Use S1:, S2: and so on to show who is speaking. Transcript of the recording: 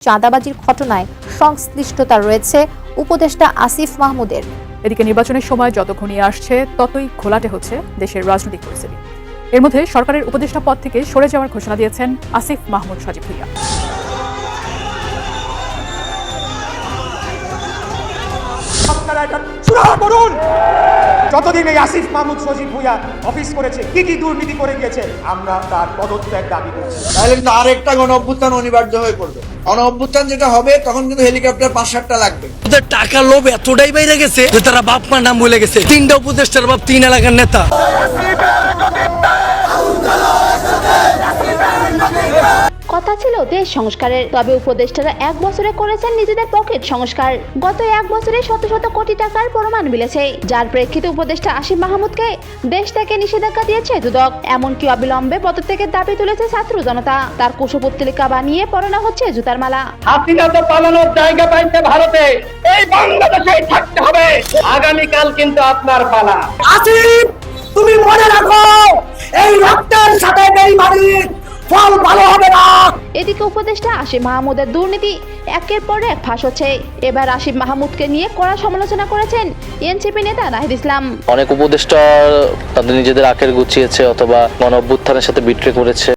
S1: চাঁদাবাজির ঘটনায় সংশ্লিষ্টতা রয়েছে উপদেষ্টা আসিফ মাহমুদের।
S2: এদিকে নির্বাচনের সময় যত ঘনিয়ে আসছে ততই ঘোলাটে হচ্ছে দেশের রাজনৈতিক পরিস্থিতি। এর মধ্যে সরকারের উপদেষ্টা পদ থেকে সরে যাওয়ার ঘোষণা দিয়েছেন আসিফ মাহমুদ সজীব ভুঁইয়া।
S3: আপনারা এটা সুরাহা করুন। যতদিন এই আসিফ মাহমুদ সজীব ভুঁইয়া অফিস করেছে, কি কি দুর্নীতি করে গিয়েছে, আমরা তার পদত্যাগ দাবি করছি।
S4: তাহলে কিন্তু আরেকটা গণ অভ্যুত্থান অনিবার্য হয়ে পড়বে। গণ অভ্যুত্থান যেটা হবে তখন কিন্তু হেলিকপ্টার 5-7টা লাগবে।
S5: ওদের টাকা লোভ এতটাই বাইরে গেছে যে তারা বাপ মার নাম ভুলে গেছে। 3টা উপদেষ্টার বাপ 3 এলাকার নেতা।
S6: কথা ছিল দেশ সংস্কারের, তবে উপদেষ্টারা 1 বছরে করেছেন নিজেদের পকেট সংস্কার। গত 1 বছরে শত শত কোটি টাকার প্রমাণ মিলেছে, যার প্রেক্ষিতে উপদেষ্টা আসিফ মাহমুদকে দেশ থেকে নিষেধাজ্ঞা দিয়েছে দুদক। এমনকি অবিলম্বে পদত্যাগের দাবি তুলেছে ছাত্র জনতা। তার কুশপুত্তলিকা বানিয়ে পড়ানো হচ্ছে জুতার মালা।
S7: হাসিনা তো পালানোর জায়গা পাইছে ভারতে, এই বাংলাদেশেই থাকতে হবে। আগামীকাল কিন্তু আপনার পালা।
S4: আসিফ, তুমি মনে রাখো এই রক্তের সাথে বেইমানির ফল ভালো হবে না।
S6: এদিকে উপদেষ্টা আসিফ মাহমুদের দুর্নীতি একের পর এক ফাঁস হচ্ছে। এবার আসিফ মাহমুদকে নিয়ে কড়া সমালোচনা করেছেন এনসিপি নেতা নাহিদ ইসলাম।
S8: অনেক উপদেষ্টা তাদের নিজেদের আখের গুছিয়েছে অথবা গণ অভ্যুত্থানের সাথে বিট্রে করেছে।